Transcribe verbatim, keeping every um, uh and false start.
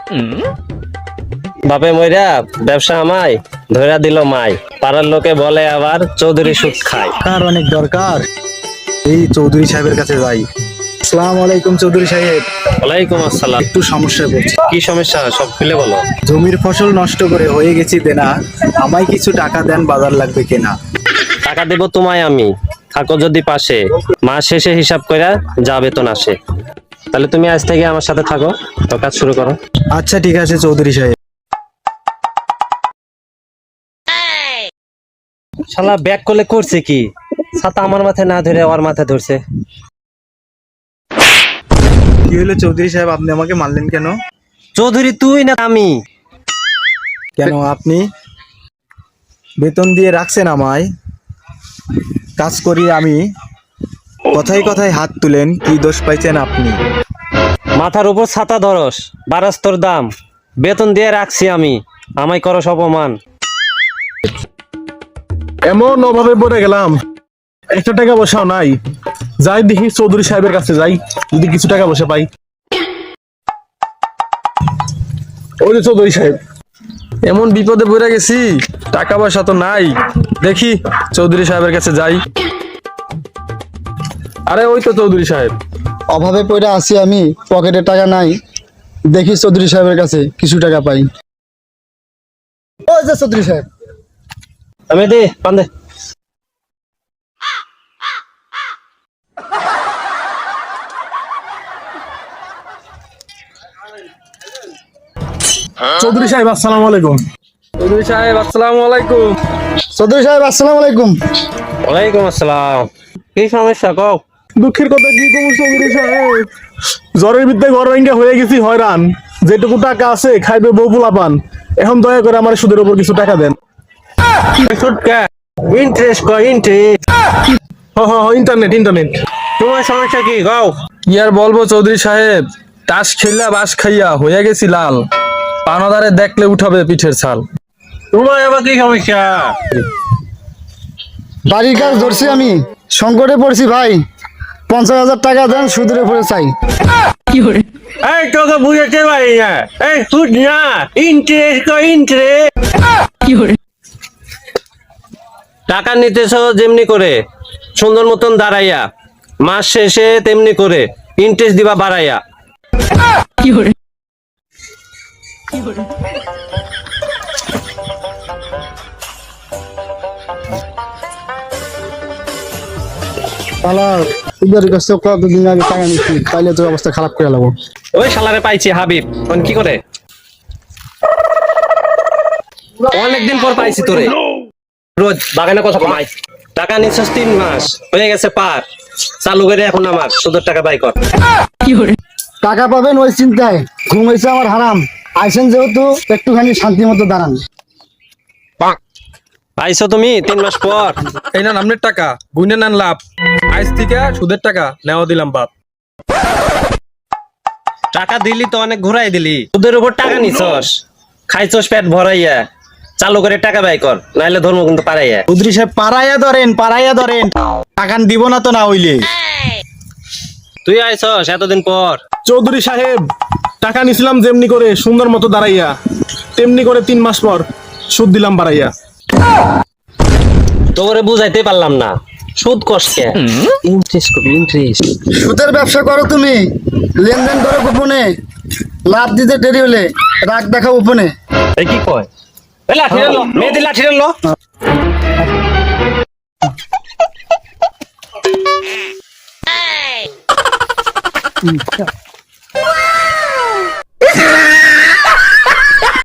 বাপে মইরা ব্যবসা আমায় ধইরা দিল মাই, পাড়ার লোকে বলে আবার চৌধুরী সুদ খায়। কার অনেক দরকার, এই চৌধুরী সাহেবের কাছে যাই। আসসালামু আলাইকুম চৌধুরী সাহেব। ওয়ালাইকুম আসসালাম। একটু সমস্যায় পড়ছি। কি সমস্যা সব খুলে বলো। জমির ফসল নষ্ট করে হয়ে গেছি দেনা, আমায় কিছু টাকা দেন, বাজার লাগবে কেনা। টাকা দেব তোমায় আমি, থাকো যদি পাশে, মাস শেষে হিসাব কইরা যা বেতন আসে। তাহলে তুমি আজ থেকে আমার সাথে থাকো, তো কাজ শুরু করো। আচ্ছা ঠিক আছে চৌধুরী সাহেব। শালা ব্যাক করলে করছে কি, ছাতা আমার মাথায় না ধরে ওর মাথায় ধরছে। কি হলো চৌধুরী সাহেব, আপনি আমাকে মারলেন কেন? চৌধুরী তুই না আমি? কেন আপনি বেতন দিয়ে রাখছেন আমায়, কাজ করি আমি, কথায় কথায় হাত তুলেন, কি দোষ পাইছেন আপনি? মাথার উপর ছাতা ধরস, বারাস তোর দাম, বেতন দিয়ে রাখছি আমি, আমায় করস অপমান। এমন অভাবে পড়ে গেলাম, একটা টাকা বসাও নাই। যাই দেখি চৌধুরী সাহেবের কাছে যাই, যদি কিছু টাকা বসে পাই। ওই যে চৌধুরী সাহেব, এমন বিপদে পড়ে গেছি, টাকা পয়সা তো নাই, দেখি চৌধুরী সাহেবের কাছে যাই। আরে ওই তো চৌধুরী সাহেব। অভাবে পড়ে আছি আমি, পকেটে টাকা নাই, দেখি চৌধুরী সাহেবের কাছে কিছু টাকা পাই। ও যে চৌধুরী সাহেব, আমি দে পান দে। চৌধুরী সাহেব আসসালামু আলাইকুম। চৌধুরী সাহেব আসসালামু আলাইকুম। চৌধুরী সাহেব আসসালামু আলাইকুম। ওয়ালাইকুম আসসালাম। কি সমস্যা কও? দুঃখের কথা কি কমু চৌধুরী সাহেব, জ্বরের বিদ্যায় ঘর ভেঙে হয়ে গেছি হয়রান। যেটুকু টাকা আছে খাইবে বউ পোলাপান, এখন দয়া করে আমার সুদের উপর কিছু টাকা দেন। ইন্টারেস্ট কয় ইন্টারেস্ট। হ হ ইন্টারনেট ইন্টারনেট। তোমার সমস্যা কি কও? কি আর বলবো চৌধুরী সাহেব, তাস খেললা বাস খাইয়া হয়ে গেছি লাল, পানাদারে দেখলে উঠাবে পিঠের ছাল। তোমার আবার কি সমস্যা? বাড়ির কাজ ধরছি আমি, সংকটে পড়ছি ভাই, পঞ্চাশ হাজার টাকা দেন, সুদের উপরে চাই। এই তোকে বুঝাতে পারি না, এই সুদ না, ইন্টারেস্ট কয় ইন্টারেস্ট। টাকা নিতেছ যেমনি করে সুন্দর মতন দাঁড়াইয়া, মাস শেষে তেমনি করে ইন্টারেস্ট দিবা বাড়াইয়া। পালার সুদের কাছে কতদিন আগে টাকা নিচ্ছি, তাইলে তোর অবস্থা খারাপ করে লাগবো। ওই শালারে পাইছি হাবিব, এখন কি করে? অনেকদিন পর পাইছি তোরে, রোজ বাগানে কথা কমাই। টাকা নিচ্ছিস তিন মাস হয়ে গেছে পার, চালু করে এখন আমার সুদের টাকা বাই কর। টাকা পাবেন ওই চিন্তায়, ঘুম হয়েছে আমার হারাম, আইসেন যেহেতু একটুখানি শান্তি মতো দাঁড়ান। পাইছো তুমি তিন মাস পর? এই না আপনার টাকা, গুনে নেন লাভ, আজ থেকে সুদের টাকা নেওয়া দিলাম বাপ। টাকা দিলি তো অনেক ঘুরাই দিলি, সুদের উপর টাকা নিছস, খাইছস পেট ভরাইয়া, চালু করে টাকা ব্যয় কর, নাইলে ধর্ম কিন্তু পারাইয়া। চৌধুরী সাহেব পাড়াইয়া ধরেন, পাড়াইয়া ধরেন, টাকা দিব না তো না হইলে। তুই আইছস এতদিন পর। চৌধুরী সাহেব, টাকা নিছিলাম যেমনি করে সুন্দর মতো দাঁড়াইয়া, তেমনি করে তিন মাস পর সুদ দিলাম বাড়াইয়া। তোরে বুঝাইতে পারলাম না, সুদ কষ্টে ইন্টারেস্ট করবি ইন্টারেস্ট। সুদের ব্যবসা করো তুমি, লেনদেন করো গোপনে, লাভ দিতে দেরি হলে রাগ দেখাও উপনে। এই কি কয়? এই লাঠি লো, মেয়েদের লাঠি লো।